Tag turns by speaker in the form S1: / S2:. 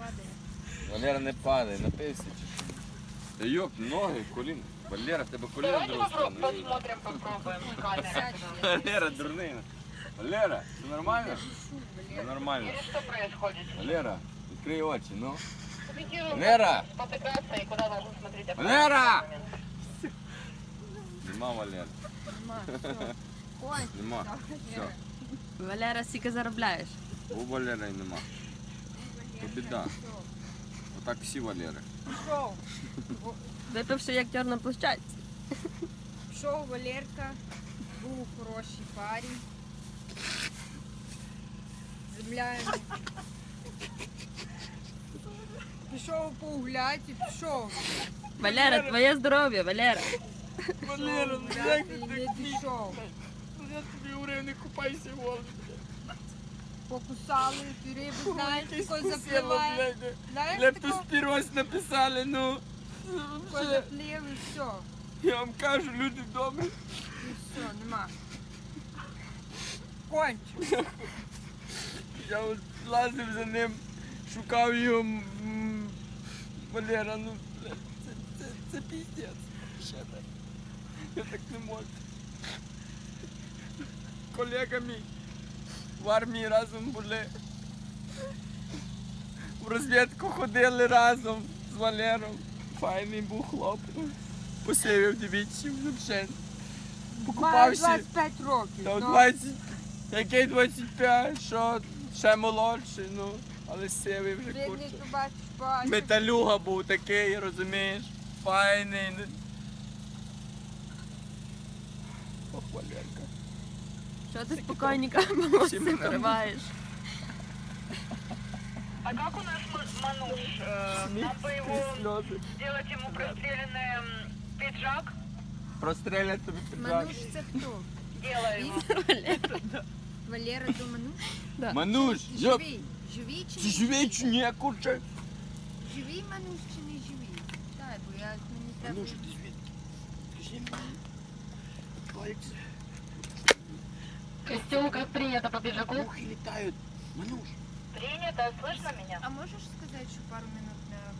S1: падає.
S2: Валера не падає, напився чи що? Та йоп, ноги, коліна. Валера, в тебе коліна
S3: Давайте
S2: друга сторона.
S3: посмотрим, попробуем.
S1: Сядь,
S2: Валера, дурний. Валера, все нормально?
S1: Шу,
S2: Все
S1: Валера.
S2: нормально.
S3: Или что происходит?
S2: Валера, відкрий очі, ну.
S3: Комментируем,
S2: Валера!
S3: спотыкаться и куда должен смотреть оппонент
S2: Валера!
S3: в этот момент.
S2: Нема Валера.
S1: Нема, все. Конь.
S2: Нема. Все.
S4: Валера, скільки заробляєш?
S2: У Валера й нема. То біда. Отак всі Валери.
S1: Пішов.
S4: Випивши як тьор на площадці.
S1: Пішов Валерка, був у хорошій парі. Земля йому. Пішов погуляти, пішов.
S4: Валера, твоє здоров'я, Валера.
S2: Валера,
S1: Пішов гуляти і не дійшов.
S2: Я тобі говорив, не купайся в воду.
S1: Покусали, ти рибу, знаєш, тако запливає. Знаєш, тако
S2: Лептоспіроз написали, ну.
S1: заплив і все.
S2: Я вам кажу, люди добрі.
S1: І все, нема. Кончив.
S2: Я от лазив за ним, шукав його. Валера, ну, блядь, це піздець. Ще так. Я так не можу. Колега мій в армії разом були. В розвідку ходили разом з Валером. Файний був хлоп. Посивів дивіться, взагалі.
S1: Має
S2: Покупався.
S1: 25 років.
S2: Та
S1: ну.
S2: 20, який 25, що ще молодший, ну, але сивий вже
S1: Бідний,
S2: курче.
S1: то бачиш, бачиш.
S2: Металюга був такий, розумієш? Файний. Ох, Валерка.
S4: Що ти спокійненько волосся
S2: мене
S4: пориваєш?
S3: А как у нас Мануш? Нам бы его
S2: Сльози.
S3: сделать ему простреленный пиджак.
S2: Прострелять тобі піджак.
S1: Мануш це хто?
S3: Делаем.
S1: Валера до Мануш?
S2: Мануш, йоп,
S1: Живий. Живий чи
S2: ти
S1: не
S2: живий чи ні, курче?
S1: Живий Мануш чи не живий? Так, бо я мені треба.
S2: Мануш, ти звідки? Скажи мені. Пальці.
S3: Костюм как принято по пиджаку.
S2: Мухи літають. Мануш.
S3: Принято, слышно меня?
S1: А можеш сказати, що пару минут на